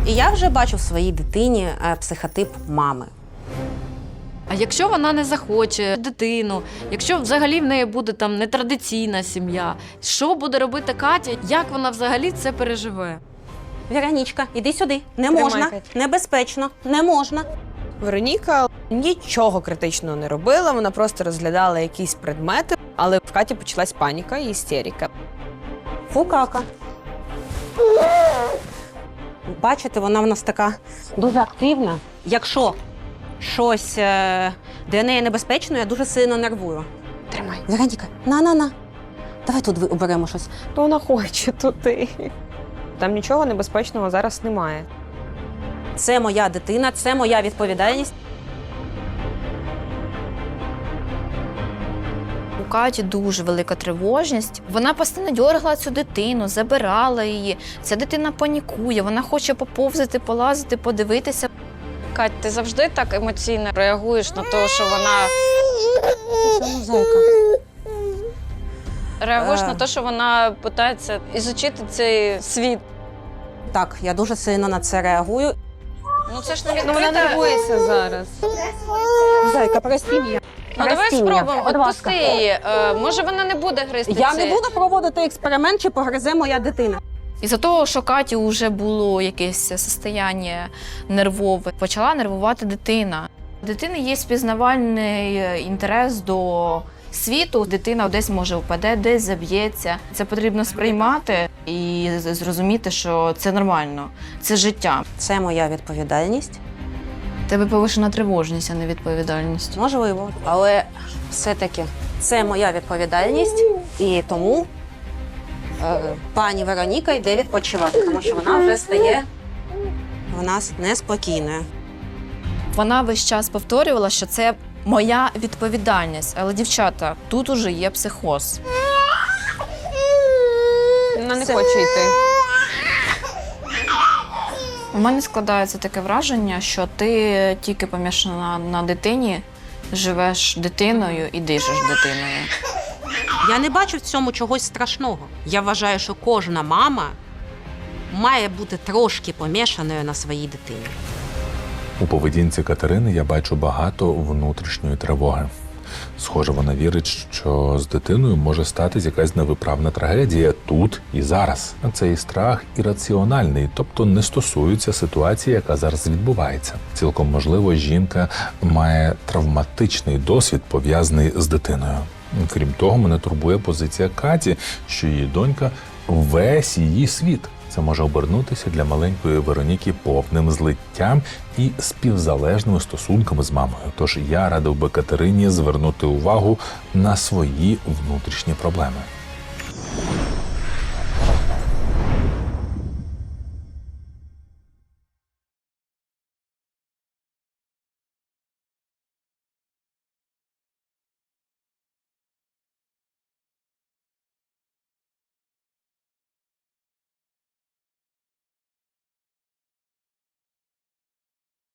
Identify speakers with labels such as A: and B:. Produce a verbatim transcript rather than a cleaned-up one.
A: І я вже бачу в своїй дитині психотип мами.
B: А якщо вона не захоче дитину, якщо взагалі в неї буде там нетрадиційна сім'я, що буде робити Катя? Як вона взагалі це переживе?
A: Веронічка, іди сюди. Не можна, небезпечно, не можна.
C: Вероніка нічого критичного не робила, вона просто розглядала якісь предмети, але в Каті почалась паніка і істерика.
A: Фукака. Бачите, вона в нас така дуже активна. Якщо щось для неї небезпечно, я дуже сильно нервую.
C: Тримай.
A: Вероніка, на-на-на. Давай тут оберемо щось.
C: То вона хоче туди. Там нічого небезпечного зараз немає.
A: Це моя дитина, це моя відповідальність.
D: У Каті дуже велика тривожність. Вона постійно дьоргала цю дитину, забирала її. Ця дитина панікує, вона хоче поповзати, полазити, подивитися.
B: Кать, ти завжди так емоційно реагуєш на те, що вона
A: Це зайка.
B: реагуєш
A: Е.
B: на те, що вона намагається ізучити цей світ.
A: Так, я дуже сильно на це реагую.
B: Ну це ж не
C: Ну, вона
B: відкрита.
C: нервується зараз.
A: Зайка, прости мене.
B: Ну давай
A: Прости мене,
B: спробуємо,
A: будь
B: відпусти
A: ласка.
B: її. Е, може вона не буде гризти
A: Я
B: це?
A: не буду проводити експеримент, чи погризе моя дитина.
D: Із-за того, що Каті вже було якесь состояння нервове, почала нервувати дитина. У дитини є спізнавальний інтерес до світу. Дитина десь може впаде, десь заб'ється. Це потрібно сприймати і зрозуміти, що це нормально, це життя.
A: Це моя відповідальність.
D: У тебе повишена тривожність, а не відповідальність.
A: Можливо, але все-таки це моя відповідальність, і тому е, пані Вероніка йде відпочивати, тому що вона вже стає у нас неспокійною.
D: Вона весь час повторювала, що це моя відповідальність. Але, дівчата, тут уже є психоз.
C: Вона не хоче йти.
D: У мене складається таке враження, що ти тільки помішана на дитині, живеш дитиною і дишиш дитиною.
A: Я не бачу в цьому чогось страшного. Я вважаю, що кожна мама має бути трошки помішаною на своїй дитині.
E: У поведінці Катерини я бачу багато внутрішньої тривоги. Схоже, вона вірить, що з дитиною може статись якась невиправна трагедія тут і зараз. Цей страх ірраціональний, тобто не стосується ситуації, яка зараз відбувається. Цілком можливо, жінка має травматичний досвід, пов'язаний з дитиною. Крім того, мене турбує позиція Каті, що її донька – весь її світ. Це може обернутися для маленької Вероніки повним злиттям і співзалежними стосунками з мамою. Тож я радив би Катерині звернути увагу на свої внутрішні проблеми.